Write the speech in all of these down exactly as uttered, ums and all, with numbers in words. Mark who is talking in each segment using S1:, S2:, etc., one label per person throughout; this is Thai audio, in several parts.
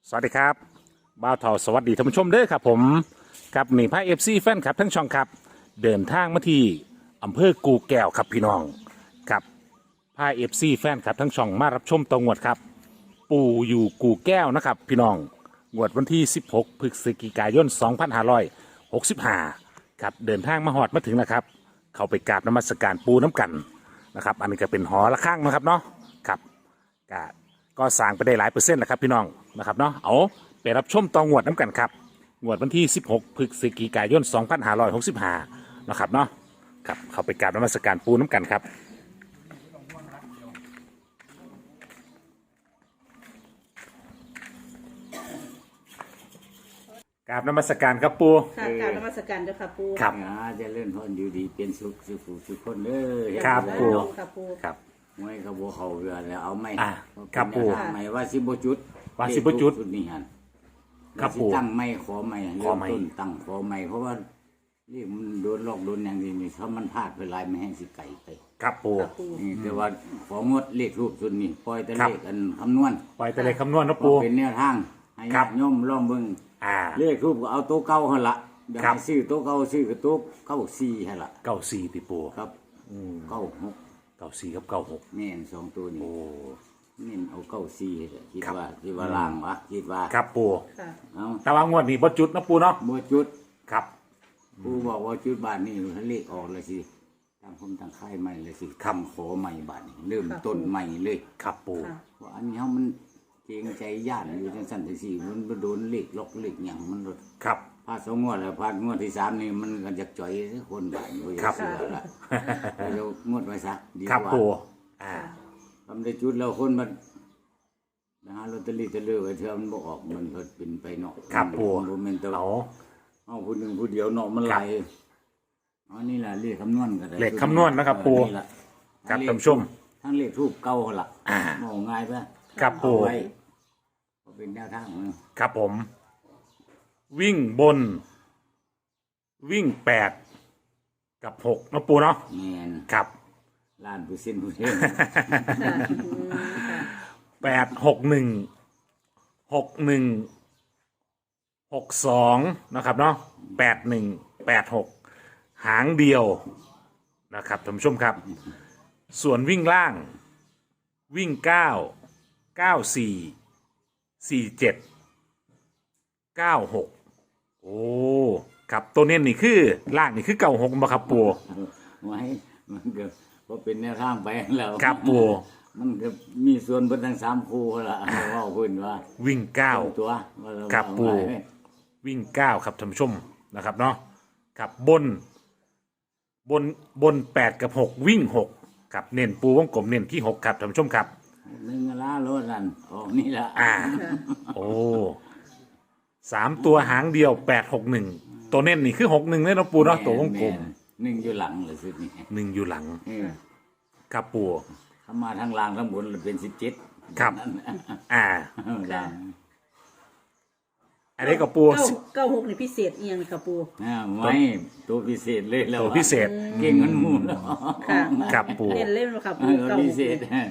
S1: สวัสดีครับบ่าวเทาสวัสดีท่านผู้ชมเด้อครับผมกับนี่พระเอฟซีแฟนครับทั้งช่องครับเดินทางมาที่อำเภอกูแก้วครับพี่น้องกับพระเอฟซีแฟนครับทั้งช่องมารับชมตรงวดครับปู่อยู่กูแก้วนะครับพี่น้องงวดวันที่สิบหกพฤศจิกายนสองพันห้าร้อยหกสิบห้าครับเดินทางมาหอดมาถึงนะครับเข้าไปกราบนมัสการปูน้ำกันนะครับอันนี้ก็เป็นหอระฆังนะครับเนาะครับกาก็สร้างไปได้หลายเปอร์เซ็นต์แล้วครับพี่น้องนะครับเนาะเอาไปรับชมตองวดน้ำกันครับงวดวันที่สิบหกพฤศจิกายนสองพันห้าร้อยหกสิบห้านะครับเนาะครับเข้าไปกราบนมัสการปูน้ำกันครับกราบนมัสการครับปู
S2: ค่ะกรารนมัสการเจ้าค่ะปู
S1: ครับ
S3: อ่าเจะเล่นพรอยู่ดีเป็นสุขสุขสุขคนเด้อ
S1: ครับ
S3: เฮ็ด
S1: ปู
S3: ได้เนาะ
S2: ค่ะปู
S1: ครับ
S3: มวยเขาบ่เข้าเรือแล้วเอาไม่
S1: อ่าครับปู่
S3: เอาไม่ว่าสิบ่จุด
S1: ว่าสิบ่จุด
S3: เลขทุกนี่หั่น
S1: ครับ
S3: ว่าสิ
S1: ปู่
S3: ตั้งไม่ขอไม่
S1: ขอ
S3: เริ่ม
S1: ไม้
S3: ต้นตั้งขอไม่เพราะว่านี่มันโดนลอกโดนอย่างนี้นี่ถ้ามันพลาดไปหลายไม่ให้สิไก่ไป
S1: ครับปู
S2: ค่ะปู
S3: นี่แต่ว่าของดเลขรูปสุดนี่ปล่อยแต่
S1: ครั
S3: เล
S1: บ
S3: ขอันคำนวณ
S1: ปล่อยแต่เลยคำนวณนะ
S3: พ
S1: ปู
S3: อเป็นแนวทางให้
S1: ครั
S3: ญา
S1: บ
S3: ติโยมลองเบิ่ง
S1: อ่า
S3: เลขรูปก็เอาโต๊ะเก่าหั่นละเดี๋ยว
S1: ครับ
S3: ให้ซื้อโต๊ะเก่าซื้อกับโต๊ะเก้าสี่หั่นละ
S1: เก้าสี่ติปู
S3: ครับเก้าหก
S1: เก้าสี่กับเก้าหก
S3: แม่นสองตัวนี้
S1: โอ้
S3: นี่เอาเก้าสี่เลยคิด
S1: ครับ
S3: ว่าคิดว่าล่างวะคิดว่า
S1: ครับปู
S2: ค่ะ
S3: เอา
S1: แต่ว่างวดนี้บ่จุดนะปูเนาะ
S3: บ่จุด
S1: ครับ
S3: กูบอกว่าจุดบาทนี่ทะเลขออกเลยสิตั้งผมตั้งค่ายใหม่เลยสิคำขอใหม่บาทนี่เริ่มต้นใหม่เลย
S1: ครับปู
S2: ค่ะ
S3: ว่าอันนี้เฮามันเกรงใจย่านอยู่จังซั่นจังซี่มันบ่โดนเลขล็อกเลขหยังมันรถ
S1: ครับ
S3: พาดสองงวดแล้วพาดงวดที่สามนี่มันก็จะจ่อยคนบ้านบ่อยาก
S1: ครับ
S3: เชื่อละเดี๋ยวงวดไว้ซะดี
S1: ครับ
S3: กว่า
S1: ปูอ่า
S3: ทำได้จุดแล้วคนมันนะฮะลอตเตอรี่จะเลือกไว้เธอมันบ่ออกมันก็เป็นไปเนาะ
S1: ครับปู
S3: มันบ่แม่นแต่ว่า
S1: เอา
S3: เอาผู้หนึ่งผู้เดียวเนาะมันไหลายอันนี้ล่ะเลขคำนวณก็ได้
S1: เลขคำนวณนะครับปู่
S3: นี่ล่ะ
S1: ครับท่านผู้ชม
S3: ทั้งเลขทูปเก่าหั่นล่ะ
S1: อ่า
S3: บอกง่ายปะ
S1: ครับปู
S3: เอาไว้ก็เป็นแนวทางเนาะ
S1: ครับผม วิ่งบน วิ่งแปดกับหกนะปูเนาะ
S3: แม่น
S1: ครับ
S3: ล้านเปอร์เซ็นต์ผู้เดียว
S2: ค่ะอืมค่ะ
S1: แปดหกหนึ่งหกหนึ่งหกสองนะครับเนาะแปดหนึ่งแปดหกหางเดียวนะครับท่านผู้ชมครับ ส่วนวิ่งล่าง วิ่งเก้าเก้าสี่สี่เจ็ดเก้าหกโอ้ครับตัวเน้นนี่คือล่างนี่คือเก้าหกมาครับปู
S3: ไว้มันก็บ่เป็นแนวทางไปแล้ว
S1: ครับปู
S3: มันก็มีส่วนเพิ่นทั้งสามคู่หั่นล่ะเว้าเพิ่นว่า
S1: วิ่งเก้า
S3: ตัวว่าเรา
S1: ครับปู่
S3: เอาไว้
S1: วิ่งเก้าครับท่านผู้ชมนะครับเนาะครับบน บนบนแปดกับหกวิ่งหกครับเน้นปูวงกลมเน้นที่หกครับท่านผู้ชมครับ
S3: หนึ่งล้านรถนั่นออกนี่ละ
S1: อ่า โอ้สามตัวหางเดียวแปดหกหนึ่งตัวเน้นนี่คือหกหนึ่งเลยเนาะปูเนาะตัววงกลม
S3: แนหนึ่งอยู่หลังเลยสุดนี่
S1: หนึ่งอยู่หลัง
S3: เออ
S1: ครับปู
S3: ถ้ามาทางล่างทั้งบนเลยเป็นสิบเจ็ด
S1: ครับ อ่า
S3: ล่าง
S1: อันนี้ก็ปู
S2: เก้าเก้าหกนี่พิเศษเอียงค่ะปู
S3: อ่าไม่ตัวพิเศษเลยแล้ว
S1: ตัวพิเศษ
S3: เก่งมันหมูแล้ว
S2: ค่ะ
S1: ครับปู
S2: เล่นเล่นค่ะ
S3: เอ
S2: ปู
S3: อ
S2: เก้าห
S3: พิ
S2: ก
S3: เศษ
S2: ค่ะ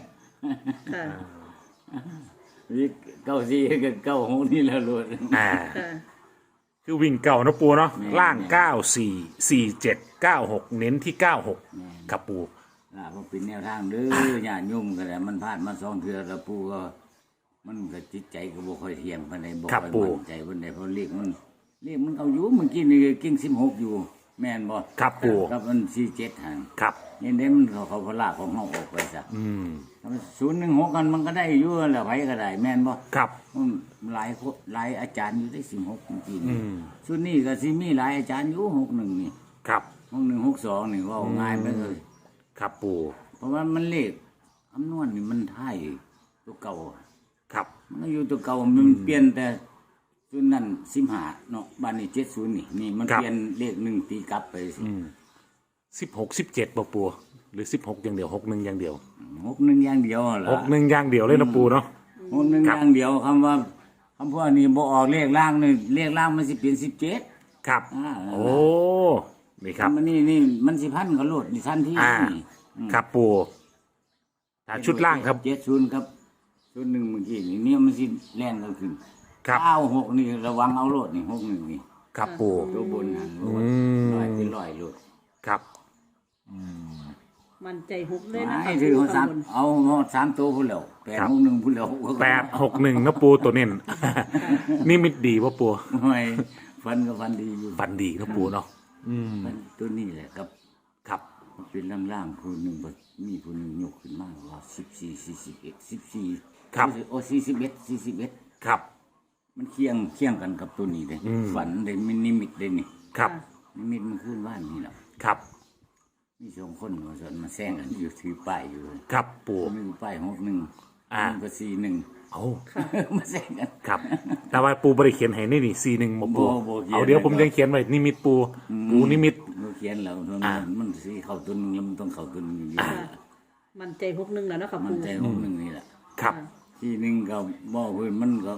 S3: วิเก้าสี่กับเก้าหกนี่แล้วรถ
S1: อ่า
S2: ค่ะ
S1: คือวิ่งเก่าเนาะปูเนาะ
S3: แม่
S1: ล่างเก้าสี่สี่เจ็ดเก้าหกเน้นที่เก้าหกครับปู
S3: ล่ะมันเป็นแนวทางเด้อญาติโยมก็ได้มันพลาดมาสองเทื่อแล้วปู่ก็ มันก็จิตใจก็บ่ค่อยเที่ยงปานใดบ่
S1: ครับ
S3: ค่อย
S1: ปู่
S3: มั่นใจปานใดเพราะเลขมันเลขมันเอาอยู่เมื่อกี้นี่เก่งสิบหกอยู่ แม่นบ่
S1: ครับปู
S3: ครับมันสี่เจ็ดหั่น
S1: ครับ
S3: นี่เด้มันเขาเขาพลาของเฮาออกไปซะ
S1: อืม
S3: ศูนย์หนึ่งหกกันมันก็ได้อยู่แหล้วไผก็ได้ แม่นบ่
S1: ครับ
S3: มันหลายคนหลายอาจารย์อยู่ได้สิบหกเมื่อกี้
S1: อื
S3: นี่
S1: ม
S3: ชุดนี้ก็สิมีหลายอาจารย์อยู่หกหนึ่งนี่
S1: ครับ
S3: หกหนึ่งหกสองนี่เว่าง่ายไปเลย
S1: ครับปู
S3: เพราะว่ามันเลขคำนวณนี่มันท้ายตัวเก่า
S1: ครับ
S3: มันก็อยู่ตัวเก่ามันเปลี่ยนแต่ชุดนั้นสิบห้าเนาะบ้านนี้เจ็ดศูนย์นี่นี่มัน
S1: ครับ
S3: เปลี่ยนเลขหนึ่งตีกลับไปสิ
S1: สิบหกสิบเจ็ดปูปูหรือสิบหกอย่างเดียวหกหนึ่งอย่างเดียว
S3: หกหนึ่งอย่างเดียวเหรอ
S1: หกหนึ่งอย่างเดียวเลยนะปูเนาะ
S3: หกหนึ่ง
S1: ครั
S3: อบ ย่างเดียวคำว่าคำพวกนี้บ่ออกเลขล่างนี่เลขล่างมันสิเปลี่ยนสิบเจ็ด
S1: ครับ
S3: อ่า
S1: โอ้ นี่ครับ
S3: มันนี่นี่มันสิพันกับโลดนี่ทันที
S1: อ่า
S3: นี่
S1: ครับปูถ้าชุดล่างครับ
S3: เจ็ดศูนย์ครับศูนย์หนึ่งเมื่อกี้นี่เนี่ยมันสิแล่นกันขึ้น
S1: ครับ
S3: เก้าหกนี่ระวังเอาโลดนี่หกหนึ่งนี่
S1: ครับปู
S3: ตัวบนหันโลด
S1: อืม
S3: ลอยเป็นลอยโลด
S1: ครับ
S2: มันใจหกเลยนะ
S3: ไอ้
S2: ค่ะ
S3: ถือ
S2: ปู
S3: เขาสา
S2: ข้าม งบน
S3: เอาสามตัวพุ่นแล้วแปด
S1: ครับ
S3: หกหนึ่งพุ่นแล้ว
S1: แปดหกหนึ่งนะปูตัวเน้น นี่มิดดีป่ะปู
S3: ไม่ฟันก็ฟันดีอยู่
S1: ฟันดีนะปูเนาะอืม
S3: ฟันตัวนี้แหละครับ
S1: ครับ
S3: มันเป็นล่างๆผู้หนึ่งบ่มีผู้หนึ่งยกขึ้นมาว่าสิบสี่สี่สิบเอ็ดสิบสี่
S1: ครับ
S3: โอ้สี่สิบเอ็ดสี่สิบเอ็ด
S1: ครับ
S3: มันเคียงเคียงกันกับตัวนี้เลย
S1: อืม
S3: ฝันเลยมันนิมิตเลยนี่
S1: ครับ
S3: นิมิตมันขึ้นบ้านนี่แหละ
S1: ครับ
S3: มีสองคนมาสอนมาแซงกันอยู่ถือป้ายอยู่เลย
S1: ครับปู
S3: มีป้ายหกหนึ่ง
S1: อ่า
S3: หนึ่งก็สี่หนึ่ง
S1: เอา
S3: มาแซงกัน
S1: ครับ แต่ว่าปูบริเขียนให้นี่นี่ซีหนึ่งมาปู
S3: บ่บ่เขียน
S1: เอาเดี๋ยวผมยังเขียนไว้นิมิตปู ปูนิมิต
S3: เราเขียนแล้วมัน
S1: อ่า
S3: มันสีเข้าตัวหนึงแล้วมันต้องเข้าตัวหนึงอยู่ดี
S2: ค่ะมันใจหกหนึ่งแล้วเนาะค่ะ
S3: มั
S2: ปู
S3: นใจหกหนึ่งนี่แหละ
S1: ครับ
S3: ที่หนึ่งก็บ่เพิ่นมันก็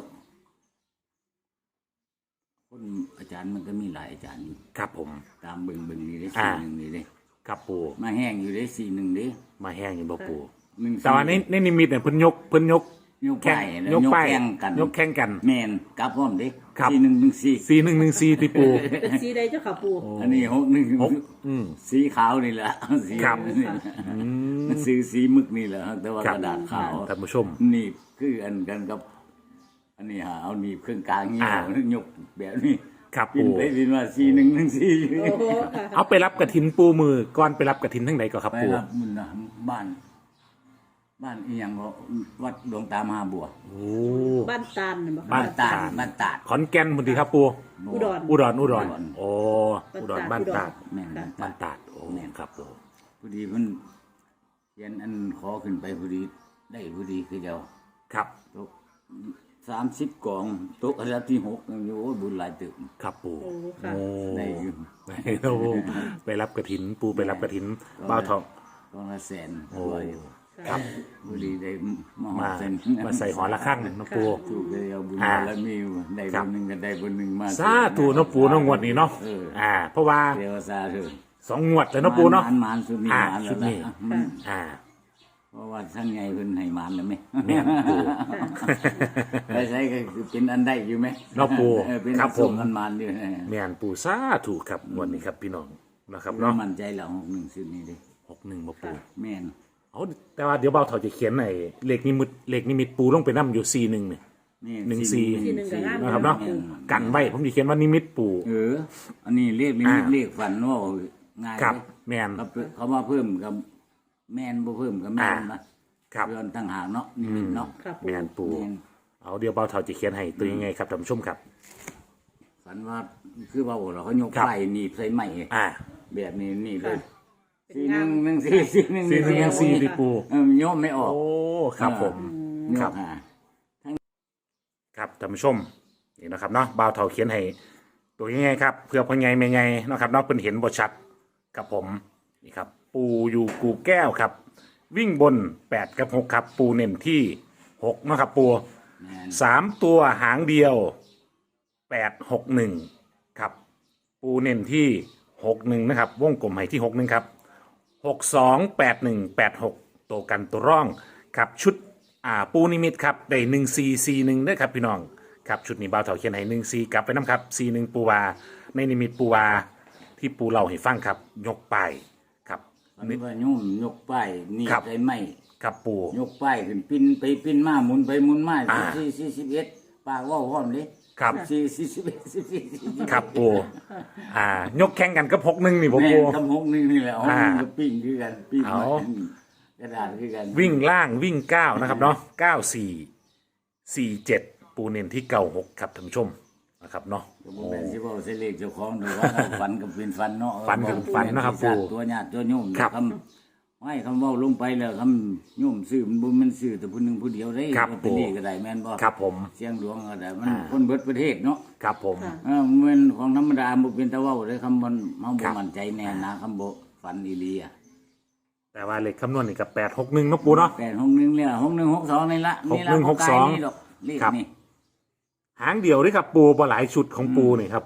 S3: คนอาจารย์มันก็มีหลายอาจารย์อยู่
S1: ครับผม
S3: ตามเบิ่งเบิ่งนี่ได้
S1: อ่า
S3: สี่หนึ่งนี่ได้
S1: ครับปู
S3: มาแห้งอยู่ได้สี่หนึ่งเด้
S1: มาแห้งอยู่บ่ปู
S3: หนึ่ง
S1: แต่ว่าในในนิมิตเนี่ยเพิ่นยกเพิ่นยก
S3: ยก
S1: แข่
S3: ป้าง ยแล้ว
S1: ยกป้าย
S3: แข่งกัน
S1: ยกแข่งกัน
S3: แมนกลับพร้อมเด้
S1: ครับ
S3: สี่หนึ่งหนึ่งสี่
S1: ซีหนึ่งหนึ่งซีที่ปู
S2: เป็นสีใดเจ้าค่ะปู
S3: อันนี้หกหนึ่ง
S1: หกอืม
S3: สีขาวนี่แหละสี
S1: ครับ
S3: นี่แหละมันซื้อสีมึกนี่แหละแต่ว่า
S1: ครั
S3: ก
S1: บ
S3: ระดาษขาว
S1: ท่านผู้ชม
S3: หนีบคืออันกันกับ อันนี้ฮะเอาหนีบเครื่องกลางเงี้ย
S1: อ่า
S3: ยกแบบนี้
S1: ครับ
S3: ปิน
S1: ปู
S3: ไปปินมาสี่หนึ่งหนึ่งสี่
S2: โอ้โหค่ะ
S1: เอาไปรับกระถินปูมือก่อนไปรับกระถินทั้งไหนก็ครับ
S3: ไป
S1: ปู
S3: รับมันนะบ้าน บ้านอีหยังก็วัดดวงตามหาบัว
S1: โอ้
S2: บ้านตาลเห็นบ่คะ
S1: บ้าน
S3: ตาดบ้านตาด
S1: ขอนแก่นพอดีครับปู
S2: อุดร
S1: อุดรอุดร
S3: อุดร
S1: โอ้อุดรบ้านตาด
S3: แม่น
S1: บ้านตาดโอ้ครับปู
S3: พอดีมันเขียนอันขอขึ้นไปพอดีได้พอดีคือเดียว
S1: ครับ
S3: ตกสามสิบกล่องตกอันดับที่หกยังอยู่โอ้ยบุญหลายตึก
S1: ครับปู
S2: โอ้ค่ะ
S1: โอ้
S3: ได้อยู่
S1: ไปแล้วไปรับกระถินปูไปรับกระถินบ้าวทอง
S3: กล่องละแสน
S1: โอ้
S3: ร้อยอยู่
S1: ครับ
S3: พอดีได้มาห
S1: มา
S3: กเซน
S1: มาใส่หอละข้างนะปู
S3: ถูกเลยเอาบุญ
S1: อ่า
S3: แล้วมีได้
S1: ครับ
S3: บุญหนึ่งก็ได้บุญหนึ่งมา
S1: สาธุเนาะปูเนาะงวดนี้เนาะ
S3: เออ
S1: อ่า เพราะว่า
S3: เดี๋ยวซาเถอะ
S1: สองงวดแล้วเนาะปูเนาะ
S3: หมานหมานสุดนี้
S1: อ่า
S3: หมาน
S1: ชุ
S3: แล้ว
S1: ดนี้
S3: นะมัน
S1: อ่า
S3: เพราะว่าท่านไงเพิ่นให้หมานแล้วไหม
S1: แม่นปู
S3: ไปใช้ก็คือเป็นอันได้อยู่ไหม
S1: เนาะปู
S3: เออเป็น
S1: ครับผม
S3: อันหมานอยู่
S1: แม่นปูสาธุครับงวดนี้ครับพี่น้องนะครับ
S3: เนาะ
S1: เนาะ
S3: มั่นใจแล้วหกหนึ่งสุดนี้เด้
S1: หกหนึ่งมาปู
S3: แม่น
S1: เอาแต่ว่าเดี๋ยวเบาเถาจะเขียนในเลขนิมิตเลขนิมิตปูลงไปนั่อยู่ซีหนึ่งเนี่ย
S3: นี่
S1: หนึ่งสี่
S2: ที่หนึ่งกับงาม
S1: นะครับเนาะกันไว้ผมจะเขียนว่านิมิตปู
S3: เออ อันนี้เรียกลิมิต
S1: อ่า
S3: เรียกฝันว่าง่าย
S1: ครับ
S3: เลย
S1: แม่น
S3: เขาเขามาเพิ่มกับแม่นบ่เพิ่มกับแม่น
S1: อ่า
S3: นะครับ เรือนต่างหากเนาะนิมิตเนาะ
S2: ค่ะปู
S1: แม่นปู
S3: แม่น
S1: เอาเดี๋ยวเบาเถาจะเขียนให้ตัวยังไงครับท่านผู้ชมครับ
S3: ฝันว่าคือว่าโอ้เราเขายก
S1: ครับ
S3: ไฟหนีบใส่ไม้
S1: อ่า
S3: แบบนี้นี่เลย
S2: เป็น
S3: สี่ห
S2: งา
S3: นึ่
S2: ม
S3: งหนึ่งสี่สี่หนึ่ง
S1: ซีหนึ่งยังซีที่ปู
S3: เออมันโยมไม่ออก
S1: โอ้ครับผม
S3: โย
S1: ครับ
S3: กหา
S1: ครับท่านผู้ชมนี่นะครับเนาะบ่าวเถาเขียนให้ตัวยังไงครับเพื่อพ่อใหญ่แม่ใหญ่เนาะครับเนาะเพิ่นเห็นบ่ชัดกับผมนี่ครับ ปูอยู่กูแก้วครับ วิ่งบนแปดกับหกครับ ปูเน้นที่หกเนาะครับปู
S3: แม่น
S1: สามตัวหางเดียวแปดหกหนึ่งครับ ปูเน้นที่หกหนึ่งนะครับ วงกลมให้ที่หกหนึ่งครับหกสองแปดหนึ่งแปดหกตัวกันตัวร่องครับชุดอ่าปูนิมิตครับได้หนึ่งซีซีหนึ่งด้วยครับพี่น้องครับชุดนี้บ่าวเถาเขียนให้หนึ่งซีกลับไปน้ำครับซีหนึ่งปูวาในนิมิตปูวาที่ปูเล่าให้ฟังครับ ยกไปครับ
S3: ฝันว่าโยมยกป้ายหนี่
S1: ครับ
S3: ใส่ไม้
S1: ครับปู
S3: ยกป้ายขึ้นปิ้นไปปิ้นมาหมุนไปหมุนมา
S1: อ่า
S3: สี่สี่สิบเอ็ดปากว่าพร้อมเลย
S1: ครับ
S3: สี่สี่สิบเอ็ดสี่สี่สิบเอ็ด
S1: ครับปูอ่ายกแข่งกันกับหกหนึ่งนี่ผม
S3: แม่
S1: ปู
S3: นคำหกหนึ่งนี่แหละหก
S1: อ่า
S3: หนึ่งก็ปิ้งคือกันปิ้ง
S1: เอา
S3: กระดาษคือกัน
S1: วิ่งล่างวิ่งเก้านะครับเนาะเก้าสี่สี่เจ็ดปูเน้นที่เก้าหกครับท่านผู้ชมนะครับเนาะ
S3: ก็บ่แม่นสิเว้าใส่เลขเจ้าของโดยว่าเราฝันกับเป็นฝันเนาะ
S1: ฝันกับฝันนะครับ
S3: ปู่
S1: ปู่
S3: ตัวญาติตัวโยม
S1: ครับ
S3: คำไม่คำเว้าลงไปแล้วคำโยมซื้อมันบ่แมันซื้อแต่ผู้หนึงผู้เดียวได้
S1: ครับ
S3: ลอตเตอรี่ก็ได้แม่นบ่
S1: ครับผม
S3: เสียงหลวงก็ได้มัน
S1: อ่า
S3: คนเบิดประเทศเนาะ
S1: ครับผม
S2: ค่ะ
S3: เออเหมือนของธรรมดาบ่เป็นตะเว้าเลยคำบ่เฮา
S1: ครั
S3: บ่
S1: บ
S3: มั่นใจแน่นะคำบ่ฝันอีหลีอ่ะ
S1: แต่ว่าเลขคำนวณนี่กับแปดหกหนึ่งนาะปูเนาะ
S3: แปดหกหนึ่งเนี่ยหกหนึ่งหกสองนี่ละนี่ละ
S1: หกหนึ่งหกสอง
S3: บ่ไนี่ดอกเลข
S1: ครับ
S3: นี่
S1: หางเดียวด้วยครับปูบ่หลายชุดของปูนี่ครับ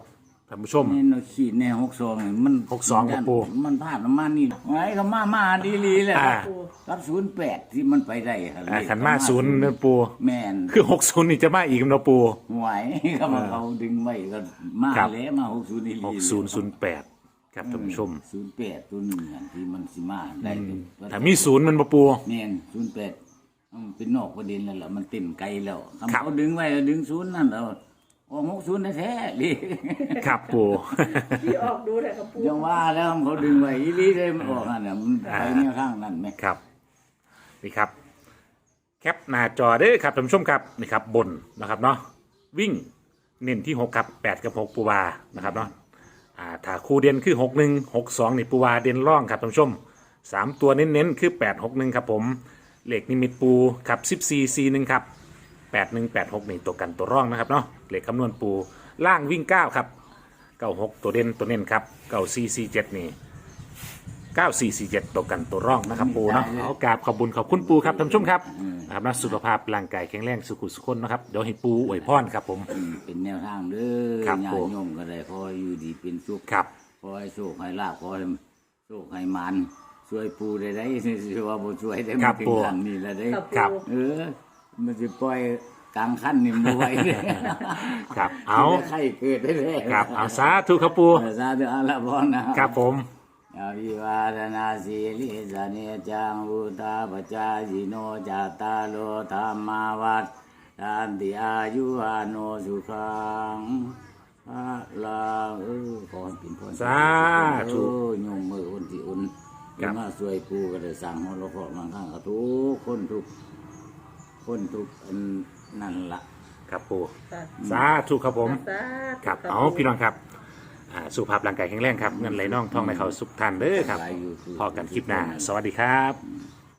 S1: ท่านผู้ชม
S3: นี่เราขีดในหกสองนี่มัน
S1: หกสองครับปู่
S3: มันพลาดประมาณนี้ไว้ก็มามาดีลีแหละ
S1: อ่า
S3: รับศูนย์แปดที่มันไปได้ครับ
S1: อ่าขันมาศูนย์นะปู
S3: แม่น
S1: คือหกศูนย์นี่จะมาอีกเนาะปู
S3: ไหวก็มาเขาดึงไว้ก็มา
S1: ครับ
S3: แล้วมาหกศูนย์นี่
S1: หกศูนย์ศูนย์แปดครับท่านผู้ชม
S3: ศูนย์แปดตัวหนึ่งอันที่มันสิมาได้
S1: ถ้ามีศูนย์มันบ่ปู
S3: แม่นศูนย์แปดมันเป็นนอกประเด็นแล้วล่ะมันเต็มไกลแล้ว
S1: ครับ
S3: เขาดึงไว้ดึงศูนย์นั่นแล้วโอ้หกศูนย์แท้ๆดิ
S1: ครับปู
S2: ที่ออกดูแต่ค่ะปู
S3: ยังว่าแล้วเขาดึงไว้อีหลีเลยมันออกนั่นน่ะมันไปแนวข้างนั่นไหม
S1: ครับนี่ครับ แคปหน้าจอเด้อครับท่านผู้ชมครับนี่ครับบนนะครับเนาะวิ่งเน้นที่หกครับแปดกับหกปูวานะครับเนาะอ่าถ้าคู่เด่นคือหกหนึ่งหกสองนี่ปูวาเด่นร่องครับท่านผู้ชมสามตัวเน้นๆคือแปดหกหนึ่งครับผมเลขนิมิตปูครับสิบสี่สี่หนึ่งครับแปดหนึ่งแปดหกนี่ตัวกันตัวร่องนะครับเนาะเลขคำนวณปูล่างวิ่งเก้าครับเก้าหกตัวเด่นตัวเน้นครับเก้าสี่สี่เจ็ดนี่ เก้าสี่สี่เจ็ดตัวกันตัวร่องนะครับปูเนาะเอากราบขอบบุญขอบคุณปูครับท่านผู้ชมครับนะครับนะสุขภาพร่างกายแข็งแรงสุขุสุขคนนะครับเดี๋ยวให้ปูอวยพรครับผม
S3: อืมเป็นแนวทางเด้อ
S1: ครับ
S3: ญา
S1: ผม
S3: ติโยมก็ได้ขอให้อยู่ดีเป็นสุข
S1: ครับ
S3: ขอให้โชคให้ลาภขอให้โชคให้มันช่วยปูได้ได้ สิว่าบ่ช่วยได้
S1: ครั
S3: มา
S1: บ
S3: ถึง
S1: ปู่
S3: ขั้นนี้แล้วได้
S2: ค่ะ
S1: ครับ
S2: ปู
S3: เออ มันสิปล่อยกลางขั้นนี่บ่ไหวเด้
S1: ครับเอา
S3: ไข้เกิดได้แท้
S1: ครับเอาสาธุครับปู
S3: เออสาธุอาละพรนะครับ
S1: ผม
S3: อภิวาทนาสีลิสเนจังวุตาปจายิโนจัตตาโลธรรมาวัฏทานติอายุอาโนสุขังพระลาเออขอให้เป็นพร
S1: สาธุ
S3: โอ้ยโยมมืออุ่นที่อุ่น
S1: ครับ
S3: มาช่วยปูก็ได้สั่งหัวเราะเพาะบางครั้งก็ทุกคนทุกคนทุกอันนั่นละ
S1: ครับปู
S2: ค่ะ
S1: สาธุครับผม
S2: สาธุ
S1: ครับ
S2: ะ
S1: เอา
S2: ปู
S1: พี่น้องครับอ่าสุขภาพร่างกายแข็งแรงครับเงินไหลน่องท่องในเขาสุขทันเด้อครับ
S3: หลายอยู่คือ
S1: พอกันคลิปหน้าสวัสดีครับ